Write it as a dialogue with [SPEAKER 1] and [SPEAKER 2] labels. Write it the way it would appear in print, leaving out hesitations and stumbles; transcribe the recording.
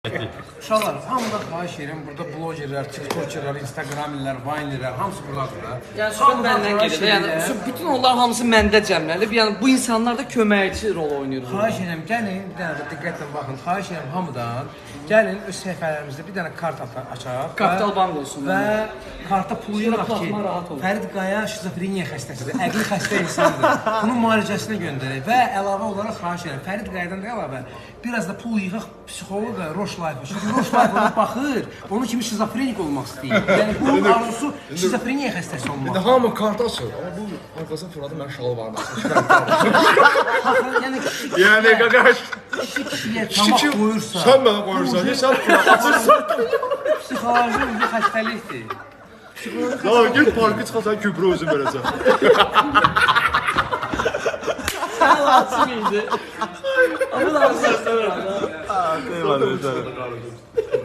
[SPEAKER 1] Uşaqlar, hamıdan xahiş edirəm, burada blogerlər, tiktokerlər, instagramilər, vinerlər, hamısı buradadır.
[SPEAKER 2] Yəni söhbət məndən gedir. Yəni bütün onlar hamısı məndə cəmlənib. Yəni bu insanlar da köməkçi rol oynayır.
[SPEAKER 1] Xahiş edirəm, gəlin, bir dənə də diqqətlə baxın. Xahiş edirəm hamıdan, gəlin öz səhifələrimizdə bir dənə kart açaq.
[SPEAKER 2] Kapital bank olsun.
[SPEAKER 1] Və karta pulu yığaq ki, Fərid Qaya şizofreniya xəstəsidir, əqli xəstə insandır. Bunun müalicəsinə göndərək və əlavə olaraq xahiş edirəm, Fərid Qayadan da əlavə biraz da pul yığaq psixoloqa, Roş Life-a. Çünki Roş Life ona baxır, onun kimi şizofrenik olmaq istəyir. Yəni bunun arzusu şizofreniya xəstəsi olmaq.
[SPEAKER 3] Hamı kart açır, amma bu arkasına fırladı, mən şalvarını açır. Yəni qaqaş,
[SPEAKER 1] Kişiyə tamaq qoyursa,
[SPEAKER 3] sən mənə qoyursan, sən açırsan.
[SPEAKER 1] psixoloji bir xəstəlikdir.
[SPEAKER 3] Daha gel parkı çıxasan Kübra özün verəcəm.
[SPEAKER 2] Açıq idi. Amma da səslər var.
[SPEAKER 3] Eyvallah.